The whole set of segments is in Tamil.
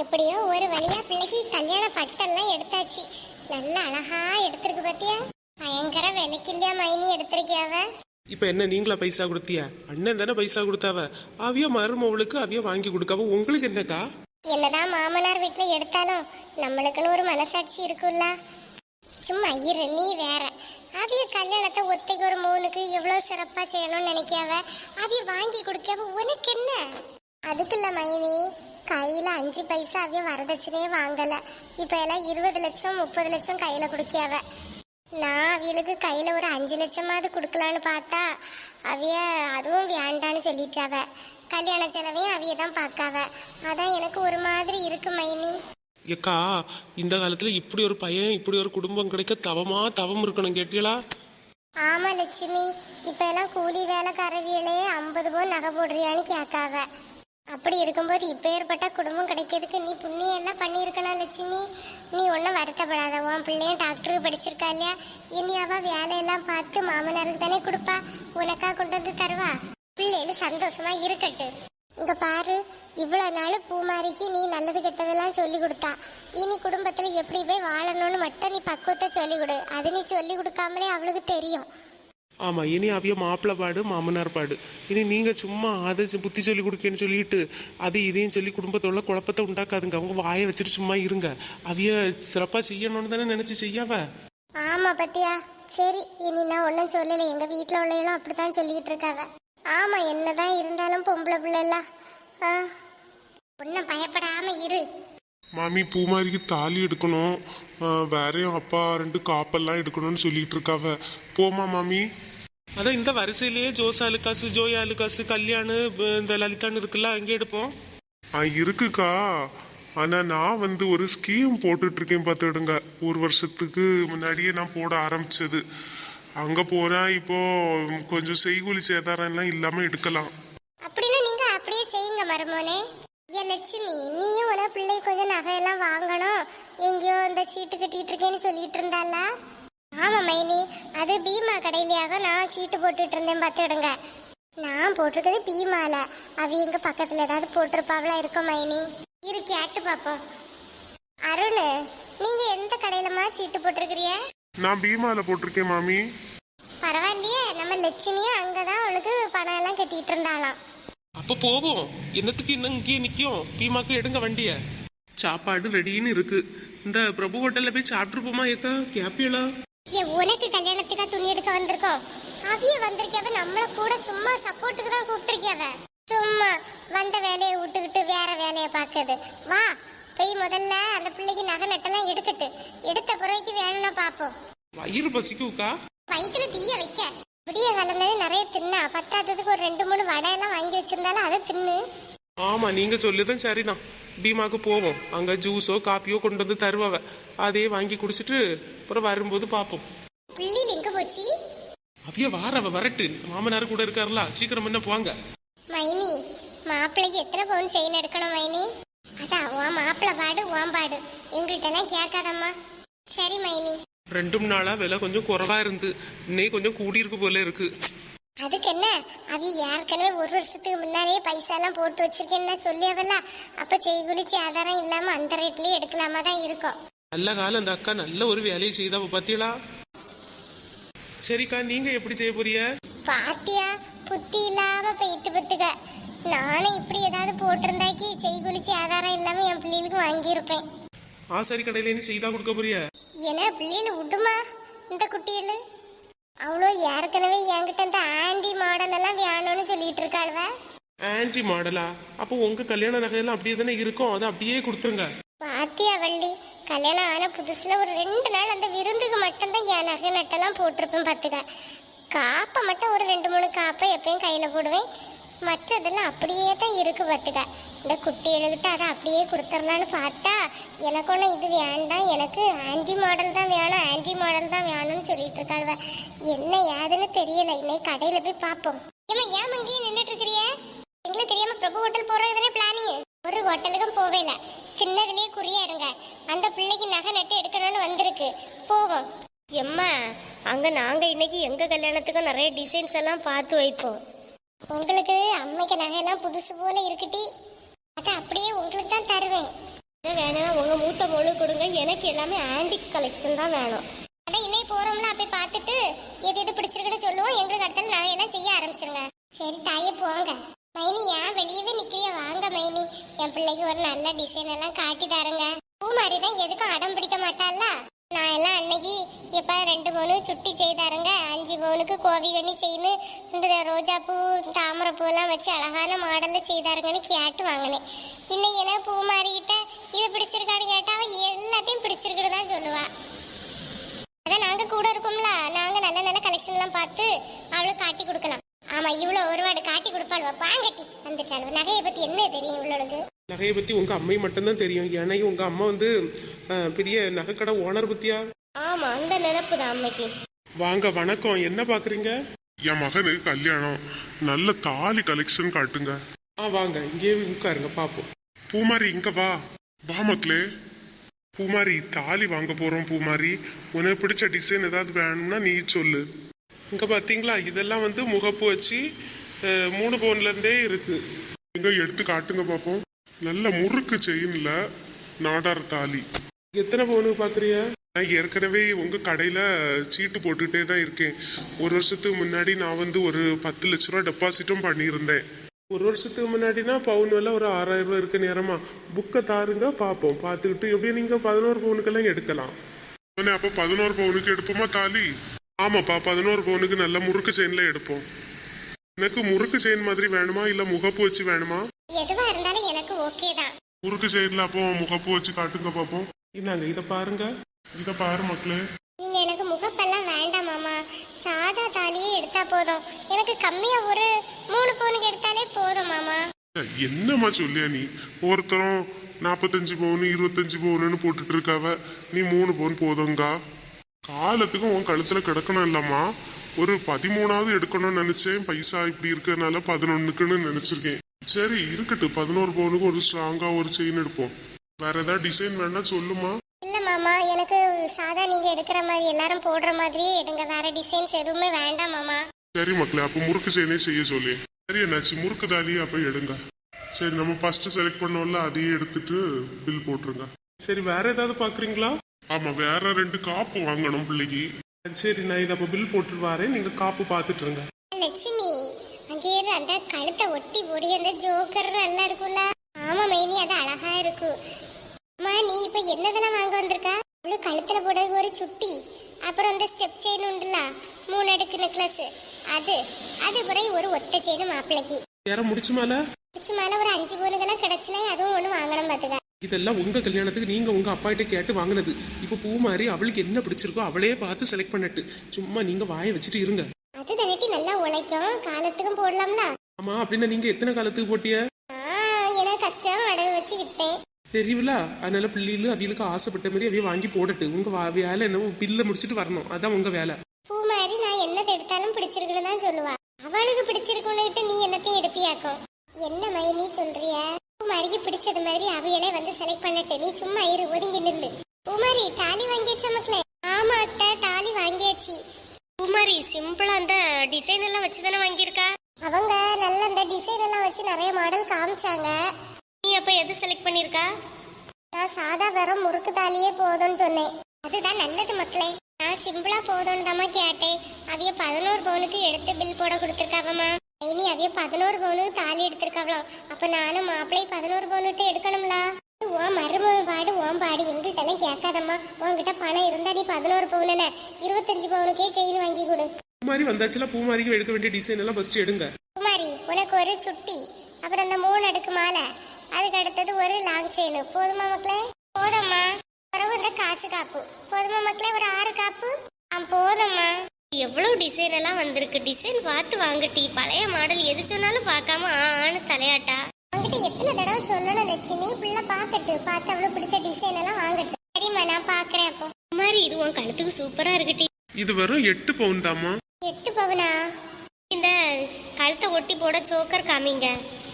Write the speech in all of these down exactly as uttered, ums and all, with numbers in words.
எப்படியோ ஒரு வழியா பிள்ளைக்கு கல்யாண பட்டெல்லாம் எடுத்தாச்சு. நல்ல அழகா எடுத்திருக்கு பாத்தியா? பயங்கர விலைக்கு இல்லையா மைனி எடுத்திருக்கியாவ. இப்ப என்ன நீங்களா பைசா கொடுத்தியா? அண்ணன் தானே பைசா கொடுத்தாவ. அவிய மருமவளுக்கு அவிய வாங்கி கொடுக்காவ. உங்களுக்கு என்னக்கா? என்னதான் மாமனார் வீட்டுல எடுத்தாலும் நம்மளுக்குன்னு ஒரு மனசாட்சி இருக்குல்ல. சும்மா இரு, நீ வேற. அவிய கல்யாணத்தை ஒத்தைக்கு ஒரு மூணுக்கு எவ்வளவு சிறப்பா செய்யணும்னு நினைக்காவ. அவிய வாங்கி கொடுக்காவ. உனக்கு என்ன? அதுக்குல்ல மைனி, கையில அஞ்சு பைசா அவிய வரதட்சணையே வாங்கல. இப்ப எல்லாம் இருபது லட்சம் முப்பது லட்சம் கையில குடுக்கியாவ. நான் அவியலுக்கு கையில ஒரு அஞ்சு லட்சமாவது கொடுக்கலான்னு பார்த்தா அவிய அதுவும் வேண்டான்னு சொல்லிட்டாவ. கல்யாண செலவையும் அவிய தான் பார்க்காவ. அதான் எனக்கு ஒரு மாதிரி இருக்கு மைனி. ஏக்கா, இந்த காலத்துல இப்படி ஒரு பையன் இப்படி ஒரு குடும்பம் கிடைக்க தவமா தவம் இருக்கணும் கேட்டீங்களா? ஆமா லட்சுமி, இப்ப எல்லாம் கூலி வேலைக்காரவியலே ஐம்பது பவுன் நகை போடுறியான்னு கேட்காவ. அப்படி இருக்கும்போது இப்ப ஏற்பட்ட குடும்பம் கிடைக்கிறதுக்கு நீ புண்ணியம் எல்லாம் பண்ணியிருக்கணும் லட்சுமி. நீ ஒன்றும் வருத்தப்படாத. உன் பிள்ளையும் டாக்டருக்கு படிச்சிருக்கா இல்லையா? இனி அவ வேலையெல்லாம் பார்த்து மாமனாருக்கு தானே கொடுப்பா. உனக்கா கொண்டு வந்து தருவா. பிள்ளைகள் சந்தோஷமா இருக்கட்டு. இங்க பாரு, இவ்வளவு நாள் பூமாரிக்கு நீ நல்லது கெட்டதெல்லாம் சொல்லி கொடுத்தா. இனி குடும்பத்துல எப்படி போய் வாழணும்னு மட்டும் நீ பக்குவத்தை சொல்லி கொடு. அது நீ சொல்லி கொடுக்காமலே அவளுக்கு தெரியும். ஆமா, இனி அவிய மாப்பிள்ளை பாடு மாமனார் பாடு. இனி நீங்க சும்மா அதை புத்தி சொல்லி கொடுக்கன்னு சொல்லிட்டு அது இதையும் சொல்லி குடும்பத்தோட குழப்பத்தை உண்டாக்காதுங்க. அவங்க வாயை வச்சுட்டு சும்மா இருங்க. அவிய சிறப்பா செய்யணும்னு தானே நினைச்சு செய்யாவ. ஆமா பத்தியா. சரி, இனி நான் ஒன்னும் சொல்லல. எங்க வீட்டுல உள்ளவங்களும் அப்படித்தான் சொல்லிட்டு இருக்காவ. ஆமா, என்னதான் இருந்தாலும் பொம்பளை பிள்ளை எல்லாம் ஒன்னும் பயப்படாம இரு. மாமி, பூமாரிக்கு தாலி எடுக்கணும், வேறையும் அப்பா ரெண்டு காப்பெல்லாம் எடுக்கணும்னு சொல்லிட்டு இருக்காவ. போமா மாமி? அதான் இந்த வரிசையிலேயே ஜோசா அலுக்காசு ஜோயா அலுக்காசு கல்யாணு இந்த லலிதான்னு இருக்குல்ல, அங்கே எடுப்போம். ஆ இருக்குக்கா. ஆனா நான் வந்து ஒரு ஸ்கீம் போட்டுட்டு இருக்கேன் பார்த்துடுங்க. ஒரு வருஷத்துக்கு முன்னாடியே நான் போட ஆரம்பிச்சது. அங்க போனா இப்போ கொஞ்சம் செய்கூலி சேதாரம் எல்லாம் இல்லாம எடுக்கலாம். அப்படின்னா நீங்க அப்படியே செய்யுங்க மருமோனே. ஏ லட்சுமி, நீயும் உன பிள்ளை கொஞ்சம் நகையெல்லாம் வாங்கணும். எங்கேயோ இந்த சீட்டு கட்டிட்டு இருக்கேன்னு சொல்லிட்டு இருந்தால. ஆமா மைனி, அது பீமா கடையிலையாக நான் சீட்டு போட்டுட்டு இருந்தேன் பார்த்துடுங்க. நான் போட்டிருக்கிறது பீமால. அவ எங்க பக்கத்துல ஏதாவது போட்டிருப்பாவளா இருக்கும் மைனி. இரு கேட்டு பாப்போம். அருண், நீங்க எந்த கடையிலமா சீட்டு போட்டிருக்கிறிய? நான் பீமால போட்டிருக்கேன் மாமி. பரவாயில்லையே, நம்ம லட்சுமியும் அங்கதான் அவளுக்கு பணம் எல்லாம் கட்டிட்டு இருந்தாளாம். அப்ப போவோம். என்னத்துக்கு இன்னும் இங்கேயே நிக்கும்? பீமாக்கு எடுங்க வண்டிய. சாப்பாடு ரெடின்னு இருக்கு. இந்த பிரபு ஹோட்டல்ல போய் சாப்பிட்டுருப்போமா? ஏக்கா கேப்பியலா? ஏ, உனக்கு கல்யாணத்துக்கா துணி எடுக்க வந்திருக்கோம். அவிய வந்திருக்கவ நம்மள கூட சும்மா சப்போர்ட்டுக்கு தான் கூப்பிட்டுருக்கவ. சும்மா வந்த வேலையை விட்டுக்கிட்டு வேற வேலையை பார்க்குது. வா போய் முதல்ல அந்த பிள்ளைக்கு நகை நட்டெல்லாம் எடுக்கட்டு. எடுத்த பிறகு வேணும்னா பாப்போம். வயிறு பசிக்குக்கா. வயிற்றுல தீய வைக்க. விடிய கலந்தே நிறைய தின்னா. பத்தாததுக்கு ஒரு ரெண்டு மூணு வடை எல்லாம் வாங்கி வச்சிருந்தாலும் அதை தின்னு. ஆமா, நீங்க சொல்லுதான் சரிதான். பீமாக்கு போவோம். அங்க ஜூஸோ காப்பியோ கொண்டு வந்து தருவாவ. அதே வாங்கி குடிச்சிட்டு அப்புறம் வரும்போது பாப்போம். பிள்ளை எங்க போச்சு? அவிய வாரவ வரட்டு. மாமனார் கூட இருக்காருல, சீக்கிரம் என்ன போவாங்க. மைனி, மாப்பிள்ளைக்கு எத்தனை பவுன் செயின் எடுக்கணும் மைனி? அதான் உன் மாப்பிள்ளை பாடு உன் பாடு, எங்கள்கிட்ட எல்லாம் கேட்காதம்மா. சரி மைனி. ரெண்டும் நாளா விலை கொஞ்சம் குறைவா இருந்து இன்னைக்கு கொஞ்சம் கூடி இருக்கு போல இருக்கு. அதுக்கு என்ன, அவி ஏற்கனவே ஒரு வருஷத்துக்கு முன்னாடியே பைசா எல்லாம் போட்டு வச்சிருக்கேன்னு சொல்லியவல்ல. அப்ப செய்குலிச்சு ஆதாரம் இல்லாம அந்த ரேட்லயே எடுக்கலாமா தான் இருக்கும். நல்ல காலம் அந்த அக்கா நல்ல ஒரு வேலையை செய்தா பாத்தீங்களா? சரிக்கா, நீங்க எப்படி செய்ய போறிய? பாத்தியா, புத்தி இல்லாம போயிட்டு பத்துக்க. நானும் இப்படி ஏதாவது போட்டிருந்தாக்கி செய்குலிச்சு ஆதாரம் இல்லாம என் பிள்ளைகளுக்கு வாங்கியிருப்பேன். ஆசாரி கடையில நீ செய்தா கொடுக்க போறிய? ஏன்னா பிள்ளைகள் விடுமா இந்த குட்டியில? அவ்வளோ ஏற்கனவே என்கிட்ட இந்த ஆண்டி மாடல் எல்லாம் வேணும்னு சொல்லிட்டு இருக்காளுவ. ஆன்டி மாடலா? அப்போ உங்க கல்யாண நகையெல்லாம் அப்படியே தானே இருக்கும், அதை அப்படியே கொடுத்துருங்க. பாத்தியா வள்ளி, கல்யாணம் ஆன புதுசுல ஒரு ரெண்டு நாள் அந்த விருந்துக்கு மட்டும்தான் என் நகை நட்டெல்லாம் போட்டிருப்பேன் பார்த்துக்க. காப்பை மட்டும் ஒரு ரெண்டு மூணு காப்பை எப்பயும் கையில போடுவேன். மற்றதெல்லாம் அப்படியே தான் இருக்கு பார்த்துக்க. இந்த குட்டி எழுகிட்ட அதை அப்படியே கொடுத்துடலான்னு பார்த்தா எனக்கு ஒன்று இது வேண்டாம், எனக்கு ஆன்டி மாடல் தான் வேணும், ஆன்டி மாடல் தான் வேணும்னு சொல்லிட்டு இருக்காள்வ. என்ன ஏதுன்னு தெரியல. இன்னைக்கு கடையில போய் பார்ப்போம். ஏமா ஏன் அங்கேயே நின்றுட்டு இருக்கிறிய? எங்களுக்கு தெரியாம பிரபு ஹோட்டல் போறது தானே பிளானிங். ஒரு ஹோட்டலுக்கும் போவேல, சின்னதுலயே குறியா இருங்க. அந்த பிள்ளைக்கு நகை நட்டு எடுக்கணும்னு வந்திருக்கு, போவோம். எம்மா, அங்க நாங்க இன்னைக்கு எங்க கல்யாணத்துக்கு நிறைய டிசைன்ஸ் எல்லாம் பார்த்து வைப்போம். உங்களுக்கு அம்மைக்கு நகையெல்லாம் புதுசு போல இருக்குட்டி, அதை அப்படியே உங்களுக்கு தான் தருவேன். இதை வேணா உங்க மூத்த மொழு கொடுங்க, எனக்கு எல்லாமே ஆன்டிக் கலெக்ஷன் தான் வேணும். அதான் இன்னைக்கு போறோம்ல, அப்ப பார்த்துட்டு எது எது பிடிச்சிருக்குன்னு சொல்லுவோம். எங்களுக்கு அடுத்த நகையெல்லாம் செய்ய ஆரம்பிச்சிருங்க. சரி தாயே போங்க. மைனி ஏன் வெளியவே நிக்கிறிய? வாங்க மைனி, என் பிள்ளைக்கு ஒரு நல்ல டிசைன் எல்லாம் காட்டி தாருங்க. பூ மாதிரி தான் எதுக்கும் அடம் பிடிக்க மாட்டாள்ல. நான் எல்லாம் அன்னைக்கு எப்ப ரெண்டு பவுனு சுட்டி செய்தாருங்க, அஞ்சு பவுனுக்கு கோவி கண்ணி செய்யு, இந்த ரோஜா பூ தாமரை பூ எல்லாம் வச்சு அழகான மாடல்ல செய்தாருங்கன்னு கேட்டு வாங்கினேன். இன்னைக்கு என்ன பூ மாறிக்கிட்ட இது பிடிச்சிருக்கான்னு கேட்டா அவ எல்லாத்தையும் பிடிச்சிருக்குன்னு தான் சொல்லுவா. அதான் நாங்க கூட இருக்கோம்ல, நாங்க நல்ல நல்ல கலெக்ஷன் எல்லாம் பார்த்து அவளுக்கு காட்டி கொடுக்கலாம். ஆமா, இவ்வளவு ஒருவாடு காட்டி கொடுப்பாள். பாங்கட்டி அந்த சாலு நகையை பத்தி என்ன தெரியும் இவ்வளவுக்கு? நகையை பத்தி உங்க அம்மை மட்டும்தான் தெரியும். ஏன்னா உங்க அம்மா வந்து அஹ், பெரிய நகைக்கடை ஓனர் பத்தியா. ஆமா, அந்த நினைப்பு தான் அம்மைக்கு. வாங்க, வணக்கம். என்ன பாக்குறீங்க? என் மகனுக்கு கல்யாணம், நல்ல தாலி கலெக்ஷன் காட்டுங்க. ஆ வாங்க, இங்கே உட்காருங்க பாப்போம். பூமாரி இங்க வா. வா மக்களே. பூமாரி தாலி வாங்க போறோம். பூமாரி உனக்கு பிடிச்ச டிசைன் ஏதாவது வேணும்னா நீ சொல்லு. இங்க பாத்தீங்களா, இதெல்லாம் வந்து முகப்பு வச்சு அஹ், மூணு பவுன்ல இருந்தே இருக்கு. எங்க எடுத்து காட்டுங்க பாப்போம். நல்ல முறுக்கு செயின்ல நாடார் தாலி. எத்தனை பவுனுக்கு பாக்குறிய? நான் ஏற்கனவே உங்க கடையில சீட்டு போட்டுட்டே தான் இருக்கேன். ஒரு வருஷத்துக்கு முன்னாடி நான் வந்து ஒரு பத்து லட்ச ரூபா டெபாசிட்டும் பண்ணியிருந்தேன். ஒரு வருஷத்துக்கு முன்னாடினா பவுன் விலை ஒரு ஆறாயிரம் ரூபாய் இருக்க நேரமா புக்கை தாருங்க பார்ப்போம். பார்த்துக்கிட்டு எப்படியும் நீங்க பதினோரு பவுனுக்கெல்லாம் எடுக்கலாம். உடனே அப்ப பதினோரு பவுனுக்கு எடுப்போமா தாலி? ஆமாப்பா, பதினோரு பவுனுக்கு நல்ல முறுக்கு செயின்ல எடுப்போம். எனக்கு முறுக்கு செயின் மாதிரி வேணுமா இல்ல முகப்பு வச்சு வேணுமா? எதுவா இருந்தாலும் எனக்கு ஓகே தான். முறுக்கு செயின்ல அப்போ முகப்பு வச்சு காட்டுங்க பாப்போம். இந்தாங்க, இதை பாருங்க. இத பாரு மக்களே. நீங்க எனக்கு முகப்பெல்லாம் வேண்டாம் மாமா, சாதா தாலியே எடுத்தா போதும். எனக்கு கம்மியா ஒரு மூணு பவுனுக்கு எடுத்தாலே போதும் மாமா. என்னம்மா சொல்லியா நீ? ஒருத்தரும் நாப்பத்தஞ்சு பவுனு இருபத்தஞ்சு பவுனுன்னு போட்டுட்டு இருக்காவ, நீ மூணு பவுன் போதுங்கா. காலத்துக்கும் உன் கழுத்துல கிடக்கணும் இல்லம்மா. ஒரு பதிமூணாவது எடுக்கணும்னு நினைச்சேன். பைசா இப்படி இருக்கிறதுனால பதினொன்னுக்குன்னு நினைச்சிருக்கேன். சரி இருக்கட்டும், பதினோரு பவுனுக்கு ஒரு ஸ்ட்ராங்கா ஒரு செயின் எடுப்போம். வேற ஏதாவது டிசைன் வேணா சொல்லுமா. இல்ல மாமா, எனக்கு சாதா நீங்க எடுக்கிற மாதிரி எல்லாரும் போடுற மாதிரியே எடுங்க. வேற டிசைன்ஸ் எதுவுமே வேண்டாம் மாமா. சரி மக்களே, அப்ப முறுக்கு செயினே செய்ய சொல்லி. சரி என்னாச்சு, முறுக்கு தாலியே அப்ப எடுங்க. சரி, நம்ம ஃபர்ஸ்ட் செலக்ட் பண்ணோம்ல, அதையே எடுத்துட்டு பில் போட்டுருங்க. சரி, வேற ஏதாவது பாக்குறீங்களா? ஆமா, வேற ரெண்டு காப்பு வாங்கணும் பிள்ளைக்கு. சரி, நான் இதை அப்ப பில் போட்டு வரேன். நீங்க காப்பு பார்த்துட்டு இருங்க. லட்சுமி, அங்கே இரு, அந்த கழுத்தை ஒட்டி போடி அந்த ஜோக்கர் நல்லா இருக்கும்ல. ஆமா மைனி, அது அழகா இருக்கு. அம்மா, நீ இப்ப என்னதெல்லாம் வாங்க வந்திருக்கா? அவளு கழுத்துல போடுறது ஒரு சுட்டி, அப்புறம் அந்த ஸ்டெப் செயின் உண்டுல மூணு அடுக்கு நெக்லஸ், அது அது பிறகு ஒரு ஒத்த செயின் மாப்பிள்ளைக்கு. யார முடிச்சு மேல முடிச்சு மேல ஒரு அஞ்சு பவுனுக்கெல்லாம் கிடைச்சுனா அதுவும் ஒண்ணு வாங்கணும் பாத்துக்க. இதெல்லாம் உங்க கல்யாணத்துக்கு நீங்க உங்க அப்பா கிட்ட கேட்டு வாங்கினது. இப்ப பூ மாதிரி அவளுக்கு என்ன பிடிச்சிருக்கோ அவளே பார்த்து செலக்ட் பண்ணிட்டு சும்மா நீங்க வாயை வச்சுட்டு இருங்க. அது தனட்டி நல்லா உழைக்கும், காலத்துக்கும் போடலாம்ல. ஆமா, அப்படின்னா நீங்க எத்தனை காலத்துக்கு போட்டிய? எனக்கு கஷ்டம் அடகு வச்சு விட்டேன் தெரியல. அதனால பிள்ளைகளும் அவிகளுக்கு ஆசைப்பட்ட மாதிரி அவைய வாங்கி போடட்டு. உங்க வா- வேலை என்ன, பில்ல முடிச்சுட்டு வரணும். அதான் உங்க வேலை. பூ மாதிரி நான் என்னத்தை எடுத்தாலும் பிடிச்சிருக்குன்னு தான் சொல்லுவா. அவளுக்கு பிடிச்சிருக்குன்னு நீ என்னத்தையும் எடுப்பியாக்கும். என்ன மைனி சொல்றிய? பூ மாதிரிக்கு பிடிச்சது மாதிரி அவையலே வந்து செலக்ட் பண்ணட்டு, நீ சும்மா இரு, ஒதுங்கி நில்லு. பூ மாதிரி தாலி வாங்கியாச்சா மக்களே? ஆமா அத்தை, தாலி வாங்கியாச்சு. குமாரி சிம்பிளா அந்த டிசைன் எல்லாம் வச்சு தானே வாங்கியிருக்கா? அவங்க நல்ல அந்த டிசைன் எல்லாம் வச்சு நிறைய மாடல் காமிச்சாங்க. நீ அப்ப எது செலக்ட் பண்ணிருக்கா? நான் சாதா வெறும் முறுக்கு தாலியே போதும்னு சொன்னேன். அதுதான் நல்லது மக்களே. நான் சிம்பிளா போதும்னு தாம்மா கேட்டேன். அவிய பதினோரு பவுனுக்கு எடுத்து பில் போட கொடுத்துருக்காவம்மா. இனி அவிய பதினோரு பவுனுக்கு தாலி எடுத்திருக்காவலாம். அப்ப நானும் மாப்பிள்ளை பதினோரு பவுனுட்டு எடுக்கணும்ல. உன் மருமக பாடு உன் பாடு எங்கள்கிட்ட எல்லாம் கேட்காதம்மா. உன்கிட்ட பணம் இருந்தா நீ பதினோரு பவுன இருபத்தஞ்சு பவுனுக்கே செயின் வாங்கி கொடு. பூ மாதிரி வந்தாச்சுல, பூ மாதிரிக்கு எடுக்க வேண்டிய டிசைன் எல்லாம் ஃபர்ஸ்ட் எடுங்க. குமாரி, உனக்கு ஒரு சுட்டி, அப்புறம் அந்த மூணு அடுக்கு மாலை, அதுக்கு அடுத்தது ஒரு லாங் செயின். போதுமா மக்களே? போதும்மா. பிறகு இந்த காசு காப்பு போதுமா மக்களே? ஒரு ஆறு காப்பு. ஆ போதும்மா. எவ்வளவு டிசைன் எல்லாம் வந்திருக்கு. டிசைன் பார்த்து வாங்கட்டி. பழைய மாடல் எது சொன்னாலும் பார்க்காம ஆன்னு தலையாட்டா. உங்ககிட்ட எத்தனை தடவை சொல்லணும் லட்சுமி? பிள்ளை பார்க்கட்டு, பார்த்து அவ்வளவு பிடிச்ச டிசைன் எல்லாம் வாங்கட்டு. சரிம்மா, நான் பாக்குறேன். அப்போ குமாரி, இது உன் கழுத்துக்கு சூப்பரா இருக்குட்டி. இது வெறும் எட்டு பவுன் தாமா. எட்டு பவுனா? இந்த கழுத்தை ஒட்டி போட சோக்கர் காமிங்க.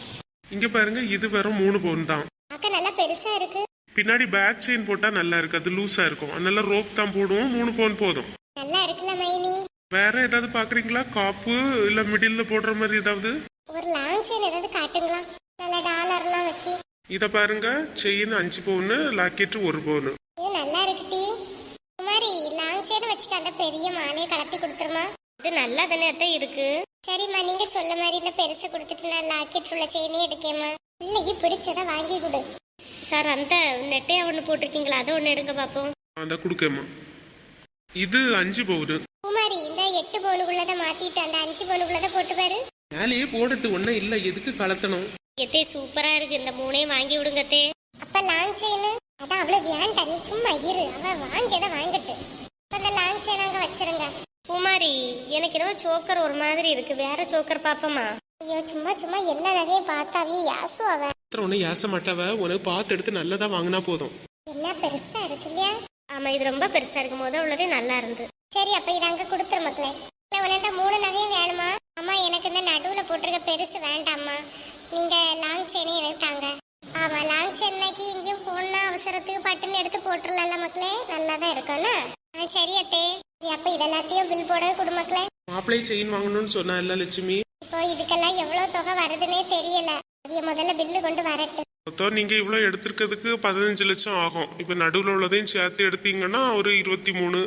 இங்க பாருங்க, இது வெறும் மூணு பவுன் தான். அக்கா நல்லா பெருசா இருக்கு. பின்னாடி பேக் செயின் போட்டா நல்லா இருக்கு, அது லூஸா இருக்கும். அதனால ரோப் தான் போடுவோம். மூணு பவுன் போதும். நல்லா இருக்குல்ல மைனி? வேற ஏதாவது பாக்குறீங்களா? காப்பு இல்ல மிடில்ல போடுற மாதிரி ஏதாவது? ஒரு லாங் செயின் ஏதாவது காட்டுங்களா? நல்ல டாலர்லாம் வச்சு. இதை பாருங்க, செயின் அஞ்சு பவுனு, லாக்கெட்டு ஒரு பவுனு. இது நல்லா இருக்குடி. குமாரி லாங் செயின் வச்சுக்க அந்த பெரிய மாலையை கலத்தி கொடுத்துருமா. இது நல்லா தானே அத்தை இருக்கு. சரிம்மா, நீங்க சொல்ல மாதிரி இந்த பெருசை கொடுத்துட்டு நான் லாக்கெட் உள்ள செயினே எடுக்கேம்மா. பிள்ளைக்கு பிடிச்சதை வாங்கி கொடு. சார் அந்த நெட்டையா ஒன்று போட்டிருக்கீங்களா, அதை ஒன்று எடுங்க பார்ப்போம். அந்த கொடுக்கேம்மா. இது அஞ்சு பவுனு. குமாரி இந்த எட்டு பவுனுக்குள்ளதை மாத்திட்டு அந்த அஞ்சு பவுனுக்குள்ளதை போட்டு பாரு. மேலேயே போட்டுட்டு ஒன்றும் இல்லை, எதுக்கு கலத்தணும்? எத்தே சூப்பரா இருக்கு, இந்த மூணையும் வாங்கி விடுங்கத்தே. அப்ப லாங் செயின் அதான் அவ்வளவு வேண்டாம், நீ சும்மா இரு, அவ வாங்கியதை வாங்கட்டு. அப்ப அந்த லாங் செயின் அங்க வச்சிருங்க. குமாரி எனக்கு என்னவோ சோக்கர் ஒரு மாதிரி இருக்கு, வேற சோக்கர் பாப்போமா? ஐயோ சும்மா சும்மா எல்லா நகையும் பார்த்தாவே யாசு அவ. ஒன்றும் ஏச மாட்டாவ, உனக்கு பார்த்து எடுத்து நல்லதா வாங்கினா போதும். என்ன பெருசா இருக்கு இல்லையா? ஆமா இது ரொம்ப பெருசா இருக்கு, முத உள்ளதே நல்லா இருந்து. சரி அப்ப இத அங்க கொடுத்துரு மக்களே. இல்ல உனக்கு மூணு நகையும் வேணுமா? அம்மா எனக்கு இந்த நடுவுல போட்டிருக்க பெருசு வேண்டாம்மா, நீங்க லாங் செயினே எனக்கு தாங்க. ஆமா லாங் செயினாக்கி இங்கேயும் போனா அவசரத்துக்கு பட்டுன்னு எடுத்து போட்டுடலாம்ல மக்களே, நல்லாதான் இருக்கும்ல. ஆ சரி அத்தே. சரி, அப்ப இதெல்லாத்தையும் பில் போட கொடு மக்களே. மாப்பிள்ளை செயின் வாங்கணும்னு சொன்னா இல்ல லட்சுமி? இப்போ இதுக்கெல்லாம் எவ்வளவு தொகை வருதுன்னே தெரியல, அதைய முதல்ல பில்லு கொண்டு வரட்டு. மொத்தம் நீங்க இவ்வளவு எடுத்திருக்கிறதுக்கு பதினஞ்சு லட்சம் ஆகும். இப்ப நடுவில் உள்ளதையும் சேர்த்து எடுத்தீங்கன்னா ஒரு இருபத்தி மூணு.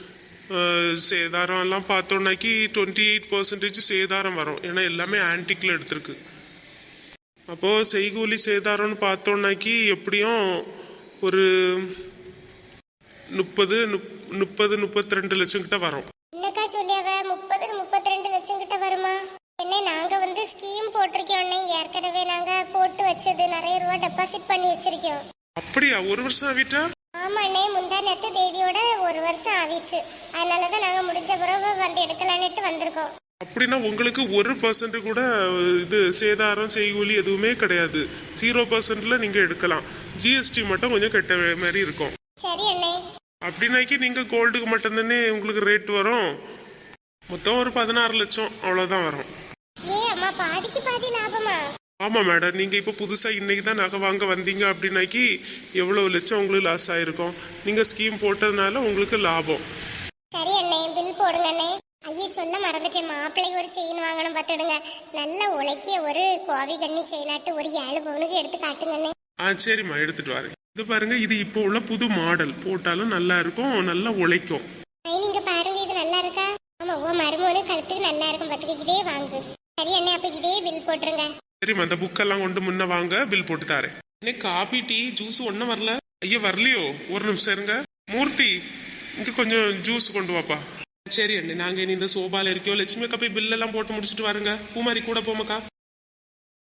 சேதாரம் எல்லாம் பார்த்தோம்னாக்கி டுவெண்ட்டி எயிட் பர்சன்டேஜ் சேதாரம் வரும், ஏன்னா எல்லாமே ஆன்டிக்ல எடுத்திருக்கு. அப்போ செய்கூலி சேதாரம்னு பார்த்தோம்னாக்கி எப்படியும் ஒரு முப்பது முப்பது முப்பத்தி ரெண்டு லட்சம் கிட்ட வரும். என்னக்கா சொல்லியாவ முப்பது முப்பத்தி ரெண்டு லட்சம் கிட்ட வருமா? என்ன நாங்க வந்து ஸ்கீம் போட்டிருக்கோம், ஏற்கனவே நாங்க போட்டு வச்சது நிறைய ரூபா டெபாசிட் பண்ணி வச்சிருக்கோம். அப்படியா? ஒரு வருஷம் ஆகிட்டா? ஆமாண்ணே, முந்தா நேத்து தேதியோட ஒரு வருஷம் ஆகிடுச்சு. அதனாலதான் நாங்க முடிஞ்ச பிறகு வந்து எடுக்கலான்ட்டு வந்திருக்கோம். அப்படின்னா உங்களுக்கு ஒரு பர்சன்ட் கூட இது சேதாரம் செய்கூலி எதுவுமே கிடையாது. ஜீரோ பர்சன்ட்ல நீங்க எடுக்கலாம். ஜிஎஸ்டி மட்டும் கொஞ்சம் கட்ட மாதிரி இருக்கும். சரி அண்ணே. அப்படின்னாக்கி நீங்க கோல்டுக்கு மட்டும் தானே உங்களுக்கு ரேட் வரும். மொத்தம் ஒரு பதினாறு லட்சம் அவ்வளவுதான் வரும். ஏ அம்மா, பாதிக்கு பாதி லாபமா? ஆமா மேடம், நீங்க இப்ப புதுசா இன்னைக்கு தான் நகை வாங்க வந்தீங்க அப்படின்னாக்கி எவ்வளவு லட்சம் உங்களுக்கு லாஸ் ஆயிருக்கும். நீங்க ஸ்கீம் போட்டதுனால உங்களுக்கு லாபம். சரி அண்ணே, பில் போடுங்க அண்ணே. ஐயே சொல்ல மறந்துட்டேன், மாப்பிள்ளைக்கு ஒரு செயின் வாங்கணும் பார்த்துடுங்க. நல்ல உழைக்கிய ஒரு கோவி கண்ணி செயினாட்டு ஒரு ஏழு பவுனுக்கு எடுத்து காட்டுங்க அண்ணே. ஆ சரிம்மா, எடுத்துட்டு வரேன். இது பாருங்க, இது இப்போ உள்ள புது மாடல், போட்டாலும் நல்லா இருக்கும், நல்லா உழைக்கும். ஐ நீங்க பாருங்க, இது நல்லா இருக்கா? ஆமா ஓ மருமகனு கழுத்துக்கு நல்லா இருக்கும் பார்த்துக்க, இதே வாங்கு. சரி அண்ணே, அப்ப இதே பில் போட்டுருங்க. சரிம்மா, அந்த புக்கெல்லாம் கொண்டு முன்ன வாங்க, பில் போட்டு தாரேன். என்ன காபி டீ ஜூஸ் ஒன்றும் வரல? ஐயா வரலையோ? ஒரு நிமிஷம் இருங்க. மூர்த்தி, இங்க கொஞ்சம் ஜூஸ் கொண்டு வாப்பா. சரி அண்ணே, நாங்க இனி இந்த சோபால இருக்கோம். லட்சுமி அக்கா போய் பில் எல்லாம் போட்டு முடிச்சுட்டு வாருங்க. பூமாரி கூட போமாக்கா.